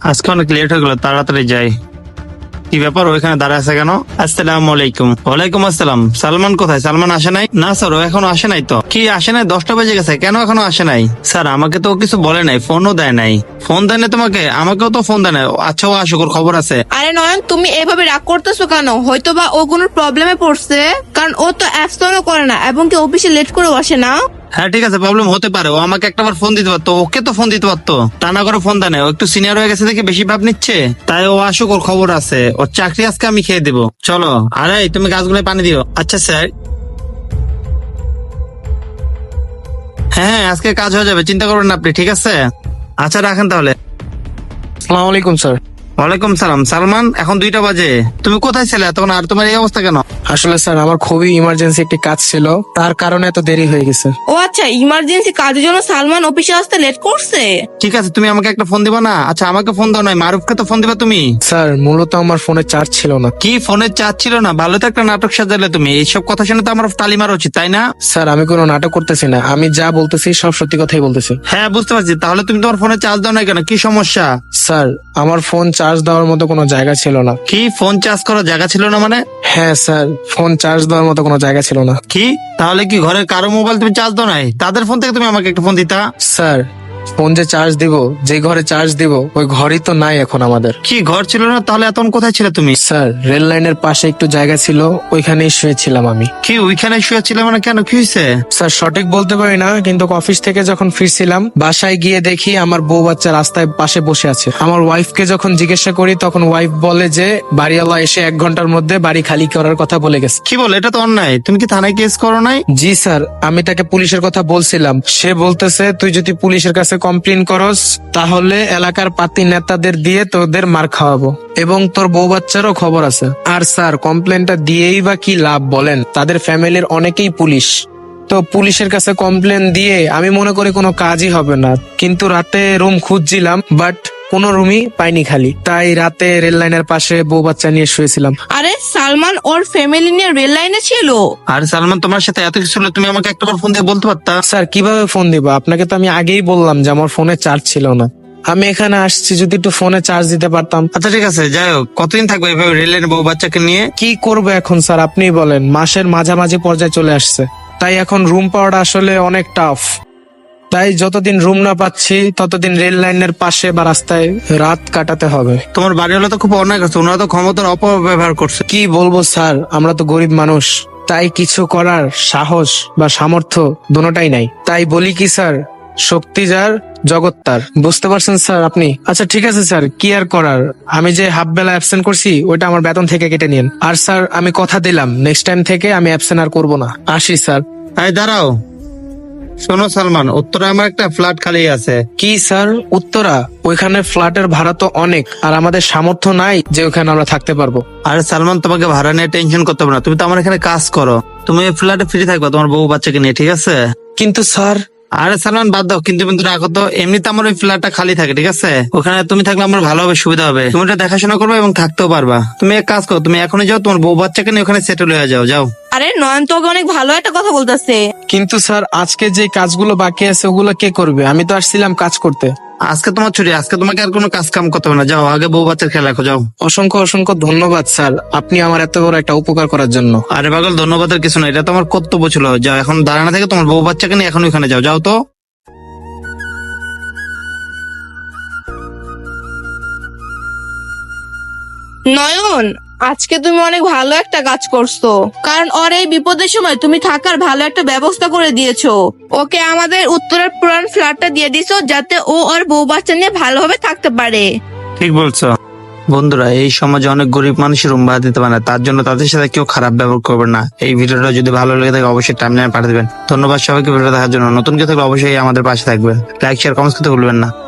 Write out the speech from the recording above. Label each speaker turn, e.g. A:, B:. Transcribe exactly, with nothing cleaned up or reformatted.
A: আজকে অনেক লেট হয়ে গেল, তাড়াতাড়ি যাই। কি ব্যাপার, ওইখানে দাঁড়ায় আছে কেন? আসসালামু আলাইকুম। ওয়ালাইকুম আসসালাম। সালমান কোথায়? সালমান আসে নাই? না স্যার, ও এখনো আসে নাই তো। কি আসে নাই? দশটা বেজে গেছে, কেন এখনো আসে নাই? স্যার আমাকে তো ও কিছু বলে নাই, ফোনও দেয় নাই। ফোন দেয় না তোমাকে? আমাকেও তো ফোন দেয় না। আচ্ছা ও আসুক, ওর খবর আছে।
B: আরে নয়ন, তুমি এভাবে রাগ করতেছো কেন? হয়তো বা ও কোনো প্রবলেমে পড়ছে, কারণ ও তো অ্যাবসেন্টও করে না এবং কি অফিসে লেট করে বসে না।
A: হ্যাঁ ঠিক আছে, প্রবলেম হতে পারে। ও আমাকে একটাবার ফোন দিতে পারতো, ওকে তো ফোন দিতে পারতো। তা না করে ফোন দেয় না। ও একটু সিনিয়র হয়ে গেছে দেখে বেশি ভাব নিচ্ছে। তাই ও আসুক, ওর খবর আছে। ওর চাকরি আজকে আমি খেয়ে দেবো। চলো। আরে তুমি গাছগুলোয় পানি দিও। আচ্ছা স্যার। হ্যাঁ আজকে কাজ হয়ে যাবে, চিন্তা করবেন না আপনি, ঠিক আছে? আচ্ছা রাখেন তাহলে।
C: আসসালামু আলাইকুম স্যার।
A: ওয়ালাইকুম সালাম। সালমান, এখন দুইটা বাজে, তুমি কোথায় ছিলে তখন? আর তোমার এই অবস্থা কেন?
C: আসলে স্যার আমার খুবই ইমার্জেন্সি একটি কাজ ছিল, তার কারণে এত দেরি হয়ে গেছে।
B: ও আচ্ছা, ইমার্জেন্সি কাজের জন্য সালমান অফিসে আসতে লেট করছে।
A: ঠিক আছে, তুমি আমাকে একটা ফোন দিবা না? আচ্ছা আমাকে ফোন দাও, নয় মারুফকে তো ফোন দিবা তুমি।
C: স্যার মূলত আমার ফোনে চার্জ ছিল না।
A: কি ফোনের চার্জ ছিল না? ভালো তো একটা নাটক সাজালে তুমি। এইসব কথা শুনে তো আমার তালি মারা উচিত, তাই না?
C: স্যার আমি কোনো নাটক করতেছি না, আমি যা বলতেছি সব সত্যি কথাই বলতেছি।
A: হ্যাঁ বুঝতে পারছি। তাহলে তুমি তোমার ফোনে চার্জ দাও না কেন? কি সমস্যা?
C: স্যার আমার ফোন চার্জ দেওয়ার মতো কোনো জায়গা ছিল না।
A: কি ফোন চার্জ করার জায়গা ছিল না মানে?
C: হ্যাঁ স্যার, ফোন চার্জ দেওয়ার মতো কোনো জায়গা ছিল না।
A: কি তাহলে কি ঘরের কারো মোবাইল তুমি চার্জ দাও নাই? তাদের ফোন থেকে তুমি আমাকে একটা ফোন দিতা।
C: স্যার ফোন যে চার্জ দিব, যে ঘরে চার্জ দিব ওই ঘরই তো নাই এখন আমাদের।
A: কি ঘর ছিল না? তাহলে এতক্ষণ কোথায় ছিলে তুমি?
C: স্যার রেল লাইনের পাশে একটু জায়গা ছিল, ওইখানেই শুয়েছিলাম আমি।
A: কি ওইখানে শুয়েছিলে মানে? কেন, কি হয়েছে?
C: স্যার সঠিক বলতে পারি না, কিন্তু অফিস থেকে যখন ফিরছিলাম বাসায় গিয়ে দেখি আমার বউ বাচ্চা রাস্তায় পাশে বসে আছে। আমার ওয়াইফকে যখন জিজ্ঞাসা করি তখন ওয়াইফ বলে যে বাড়িওয়ালা এসে এক ঘন্টার মধ্যে বাড়ি খালি করার কথা বলে গেছে।
A: কি বল, এটা তো অন্যায়। তুমি কি থানায় কেস করো নাই?
C: জি স্যার, আমি তাকে পুলিশের কথা বলছিলাম, সে বলতেছে তুই যদি পুলিশের কাছে কমপ্লেন করস তাহলে এলাকার পাতি নেতাদের দিয়ে তোদের মার খাওয়াবো এবং তোর বউ বাচ্চারও খবর আছে। আর স্যার কমপ্লেনটা দিয়েই বা কি লাভ বলেন? তাদের ফ্যামিলির অনেকেই পুলিশ। তো পুলিশের কাছে কমপ্লেন দিয়ে আমি মনে করি কোনো কাজই হবে না। কিন্তু রাতে রুম খুঁজছিলাম, বাট কোনো রুমই পাইনি খালি। তাই রাতে রেল লাইনের পাশে বউ বাচ্চা নিয়ে শুয়েছিলাম।
B: আরে সালমান ওর ফ্যামিলি নিয়ে রেল লাইনে ছিল।
A: আর সালমান তোমার সাথে এত কিছু হলো, তুমি আমাকে একটাবার ফোন দিয়ে বলতে পারতা।
C: স্যার কিভাবে ফোন দিব আপনাকে? তো আমি আগেই বললাম যে আমার ফোনে চার্জ ছিল না। আমি এখানে আসছি, যদি একটু ফোনে চার্জ দিতে পারতাম।
A: আচ্ছা ঠিক আছে, যাই হোক, কতদিন থাকবে এভাবে রেলের বউ বাচ্চাকে নিয়ে?
C: কি করবো এখন স্যার আপনিই বলেন, মাসের মাঝামাঝি পর্যায়ে চলে আসছে, তাই এখন রুম পাওয়াটা আসলে অনেক টাফ। তাই যতদিন রুম না পাচ্ছি ততদিন রেল লাইনের পাশে বা রাস্তায় রাত কাটাতে হবে।
A: তোমার বাড়িওয়ালা তো খুব অন্যায় করছে, ওনারা তো ক্ষমতার অপব্যবহার করছে।
C: কি বলবো স্যার, আমরা তো গরিব মানুষ, তাই কিছু করার সাহস বা সামর্থ্য দুটোটাই নাই। তাই বলি কি স্যার, শক্তি যার জগৎ তার। বুঝতে পারছেন স্যার আপনি? আচ্ছা ঠিক আছে স্যার, কি আর করার, আমি যে হাফ বেলা অ্যাবসেন্ট করছি ওইটা আমার বেতন থেকে কেটে নিন। আর স্যার আমি কথা দিলাম নেক্সট টাইম থেকে আমি অ্যাবসেন্ট আর করবো না। আসি স্যার।
A: এই দাঁড়াও, শোনো সালমান, উত্তরে আমার একটা ফ্ল্যাট খালি আছে।
C: কি স্যার উত্তরা? ওইখানে ফ্ল্যাটের ভাড়া তো অনেক, আর আমাদের সামর্থ্য নাই যে ওখানে আমরা থাকতে পারবো।
A: আরে সালমান, তোমাকে ভাড়া নিয়ে টেনশন করতে হবে না, তুমি তো আমার এখানে কাজ করো। তুমি এই ফ্ল্যাটে ফ্রি থাকবা তোমার বউ বাচ্চাকে নিয়ে, ঠিক আছে?
C: কিন্তু স্যার।
A: আরে সালমান বাদ দাও, কিন্তু কিন্তু রাখো তো। এমনিতে আমার ওই ফ্ল্যাটটা খালি থাকে, ঠিক আছে? ওখানে তুমি থাকলে আমার ভালো হবে, সুবিধা হবে। তুমি ওটা দেখাশোনা করবে এবং থাকতেও পারবা। তুমি এক কাজ করো, তুমি এখনই যাও, তোমার বউ বাচ্চাকে নিয়ে ওখানে সেটেল হয়ে যাও। যাও।
B: আরে নয়ন তো ওকে অনেক ভালো একটা কথা বলতেছে।
C: কিন্তু স্যার আজকে যে কাজগুলো বাকি আছে ওগুলো কে করবে? আমি তো আসছিলাম কাজ করতে।
A: আজকে তোমার ছুটি, আজকে তোমাকে আর কোনো কাজ কাম করতে হবে না। যাও, আগে বউ বাচ্চার খেয়াল রাখো, যাও।
C: অসংখ্য অসংখ্য ধন্যবাদ স্যার, আপনি আমার এত বড় একটা উপকার করার জন্য।
A: আরে পাগল, ধন্যবাদের কিছু না, এটা তো আমার কর্তব্য ছিল। যাও এখন দাঁড়ানো থেকে তোমার বউ বাচ্চাকে নিয়ে এখন ওখানে যাও। যাও তো।
B: নয়ন, আজকে তুমি অনেক ভালো একটা কাজ করছো, কারণ ওর এই বিপদের সময় তুমি থাকার ভালো একটা ব্যবস্থা করে দিয়েছো। ওকে আমাদের উত্তরের পুরান ফ্ল্যাটটা দিয়ে দিছো, যাতে ও ওর বউ বাচ্চা নিয়ে ভালোভাবে থাকতে পারে।
A: ঠিক বলছো। বন্ধুরা, এই সমাজে অনেক গরিব মানুষের রুম ভাড়া দিতে পারে না, তার জন্য তাদের সাথে কেউ খারাপ ব্যবহার করবে না। এই ভিডিওটা যদি ভালো লেগে থাকে অবশ্যই টাইমলাইনে পাঠিয়ে দেবেন। ধন্যবাদ সবাইকে ভিডিও দেখার জন্য। নতুন কেউ থাকলে অবশ্যই আমাদের পাশে থাকবে। লাইক শেয়ার কমেন্টস করতে ভুলবেন না।